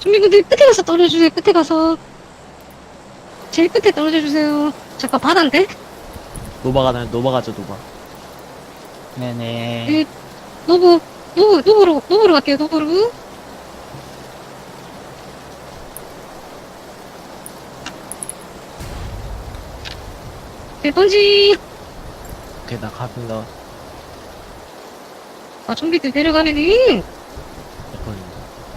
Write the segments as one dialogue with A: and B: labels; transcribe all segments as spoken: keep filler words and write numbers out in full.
A: 좀비분들 끝에 가서 떨어져주세요. 끝에 가서 제일 끝에 떨어져주세요. 잠깐 바다인데?
B: 노바가 나요. 노바 가죠 노바.
C: 네네.
A: 네, 노브 노브 노브로 노브로 갈게요. 노브로. 네, 던지.
B: 오케이 나 갑니다.
A: 아, 좀비들 내려가면은
B: 됐거든요.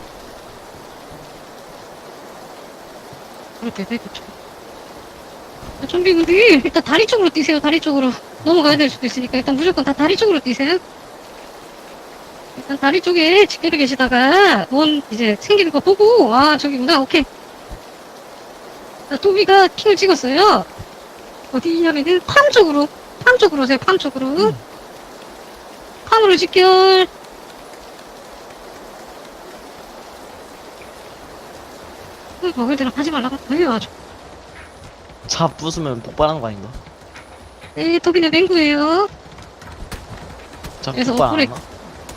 A: 이렇게 되겠죠 아, 좀비분들 일단 다리 쪽으로 뛰세요. 다리 쪽으로 넘어가야 될 수도 있으니까 일단 무조건 다 다리 쪽으로 뛰세요. 일단 다리 쪽에 집결해 계시다가 뭔 이제 생기는 거 보고 아 저기구나. 오케이. 자, 도비가 킹을 찍었어요. 어디냐면은 팜 쪽으로 팜 쪽으로 오세요. 팜 쪽으로.
B: 음.
A: 팜으로 집결. 음, 먹을 대로 하지 말라고 왜요 아주.
B: 차 부수면 폭발하는 거 아닌가?
A: 네, 도비는 맹구예요.
B: 차
A: 그래서
B: 폭발 안
A: 오토렉-
B: 하나?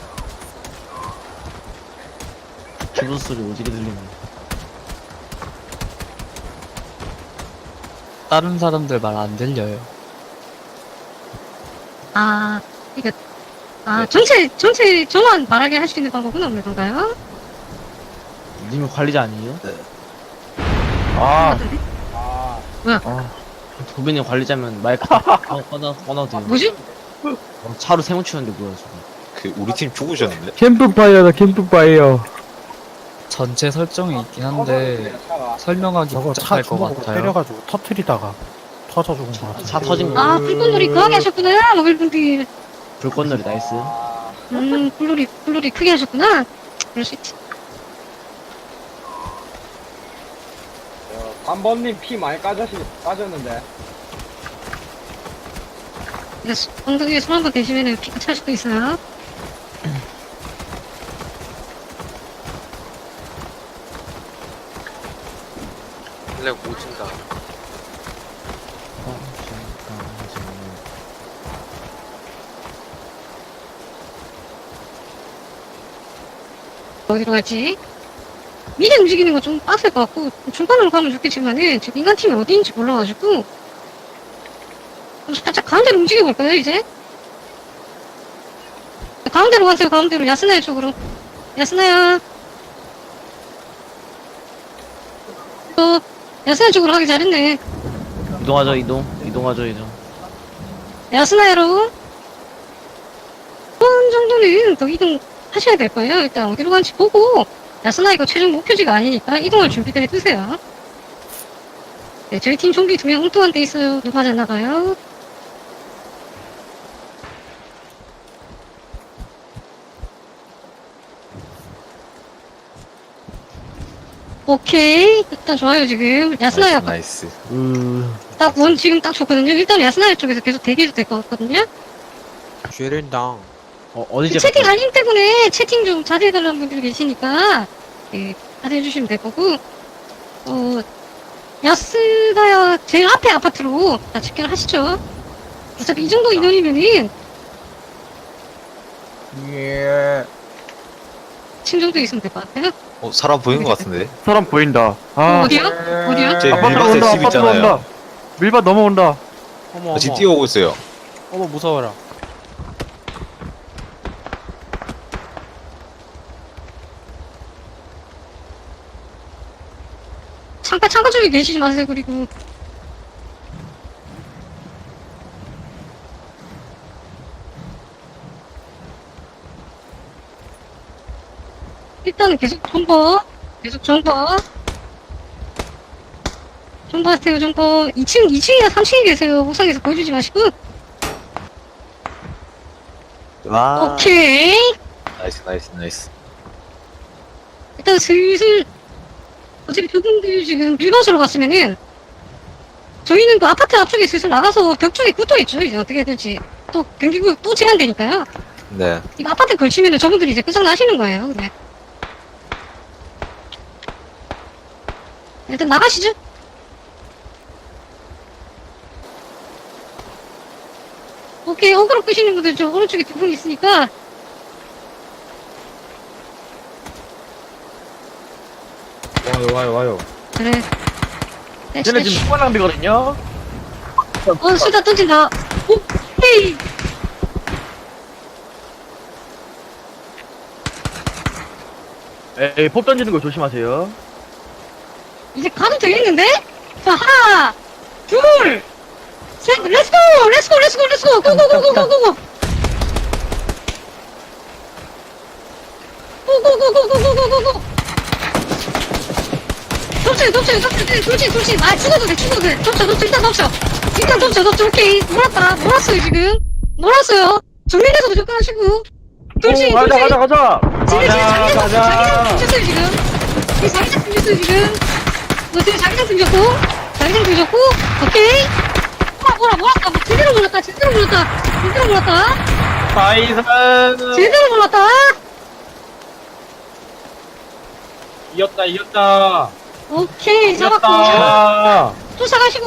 B: 기부 소리 오지게 들리네.
C: 다른 사람들 말 안 들려요.
A: 아, 이거, 아,
D: 네.
A: 전체, 전체 저만 말하게 할 수 있는 방법은 없는 건가요?
B: 님이 관리자 아니에요?
D: 아,
A: 같은데?
D: 아,
A: 뭐야?
D: 아,
B: 도빈님 관리자면 마이크 꺼- 꺼놔 꺼놔도 돼요.
A: 뭐지?
B: 어, 차로 세모 치는데 뭐야 지금?
E: 그 우리 팀 죽으셨는데?
F: 캠프파이어다 캠프파이어.
C: 전체 설정이 있긴 한데 설명하기
G: 저거 차
C: 복잡할 것
G: 주먹으로
C: 같아요.
G: 때려가지고 터트리다가 터져 죽은 거 같아.
B: 차 터진 거.
A: 아, 불꽃놀이 거하게 하셨구나, 먹을분들.
B: 불꽃놀이 나이스.
A: 음, 불놀이, 불놀이 크게 하셨구나. 그럴 수 있지.
D: 삼 번님 피 많이 까졌시, 까졌는데.
A: 이거 수- 엉덩이에 손 한 번 대시면은 피가 찰 수도 있어요.
H: 원래 못 준다.
B: 어, 잠깐, 잠깐.
A: 어디로 갈지. 미리 움직이는 거 좀 빡셀 것 같고, 중간으로 가면 좋겠지만은, 지금 인간팀이 어디인지 몰라가지고, 좀 살짝 가운데로 움직여볼까요, 이제? 가운데로 가세요, 가운데로. 야스나야 쪽으로. 야스나야. 또, 야스나야 쪽으로 하기 잘했네.
B: 이동하죠 이동. 이동하죠 이동.
A: 야스나야로. 한 정도는 더 이동하셔야 될 거예요. 일단 어디로 간지 보고, 야스나 이거 최종 목표지가 아니니까 이동할 준비를 해두세요. 네, 저희 팀 좀비 두 명 엉뚱한 데 있어요. 누가 잘 나가요? 오케이. 일단 좋아요, 지금. 야스나야,
E: 나이스.
B: 으.
A: 딱 원 지금 딱 좋거든요. 일단 야스나야 쪽에서 계속 대기해도 될 것 같거든요.
H: 쉐린당.
B: 어 어디
A: 그 채팅 알림 때문에 채팅 좀 자제해달라는 분들이 계시니까, 예, 자제해주시면 될 거고, 어, 야스나야 제일 앞에 아파트로 다 집결 하시죠. 어차피 이 정도 인원이면은,
D: 예.
A: 층 정도 있으면 될 것 같아요.
E: 어 사람 보이는 것 같은데?
F: 사람 보인다.
A: 어,
F: 아,
A: 어디요? 어디요?
E: 제
F: 아파트로
E: 밀밭에
F: 온다.
E: 집
F: 아파트로
E: 있잖아요.
F: 온다. 밀밭 넘어온다.
H: 어머,
E: 집
H: 어머.
E: 뛰어오고 있어요.
H: 어머, 무서워라.
A: 창가, 창가 쪽에 계시지 마세요, 그리고. 일단은 계속 정보, 계속 정보. 정보하세요, 정보. 이 층, 이 층이나 삼 층에 계세요. 옥상에서 보여주지 마시고.
E: 와.
A: 오케이.
E: 나이스 나이스 나이스.
A: 일단 슬슬, 어차피 그분들 지금 밀밭으로 갔으면은, 저희는 그 아파트 앞쪽에 슬슬 나가서 벽 쪽에 붙어 있죠. 이제 어떻게 해야 될지. 또 경기구 또 제한되니까요.
E: 네.
A: 이거 아파트 걸치면은 저분들이 이제 끝장나시는 거예요. 네. 일단 나가시죠. 오케이, 어그로 끄시는 분들 저 오른쪽에 두 분 있으니까.
B: 와요 와요 와요.
A: 그래. 대시,
F: 쟤네
A: 대시.
F: 지금 초반 낭비거든요?
A: 어, 수다 던진다. 오케이.
F: 에이, 폭 던지는 거 조심하세요.
A: 이제 가도 되겠는데? 자, 하나, 둘, 셋, 렛츠고! 렛츠고, 렛츠고, 렛츠고! 고고고고고고고! 고고고고고고고고! 덮쳐요, 덮쳐요, 덮쳐요. 돌진, 돌진. 아, 죽어도 돼, 죽어도 돼. 덮쳐, 덮쳐, 일단 덮쳐. 일단 덮쳐, 덮쳐. 오케이. 몰았다. 몰았어요, 지금. 몰았어요. 정면에서 무조건 하시고. 돌진,
F: 오, 가자,
A: 돌진.
F: 가자, 가자!
A: 지금 지금
B: 가자,
A: 자기장
B: 가자.
A: 생겼어요 지금. 지금 자기장 생겼어요 지금. 너 지금 자기장 생겼고, 자기장 생겼고, 오케이. 뭐라 뭐라 뭐랄까, 뭐 제대로 몰랐다, 제대로 몰랐다, 제대로 몰랐다,
B: 나이스.
A: 제대로 몰랐다.
B: 이겼다 이겼다.
A: 오케이 잡았고,
B: 이겼다.
A: 쫓아가시고.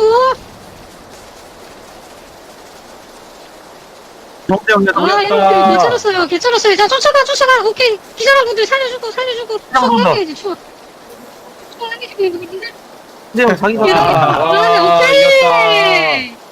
F: 정대 형님,
A: 아 여러분들 괜찮았어요, 괜찮았어요. 자 쫓아가, 쫓아가. 오케이. 기절한 분들 살려주고, 살려주고. 추억 남겨야지 추억. 추억 남기시고 있는 분들.
F: 형, 자기가.
A: 아,
B: 와,
A: 오케이.
B: 이겼다.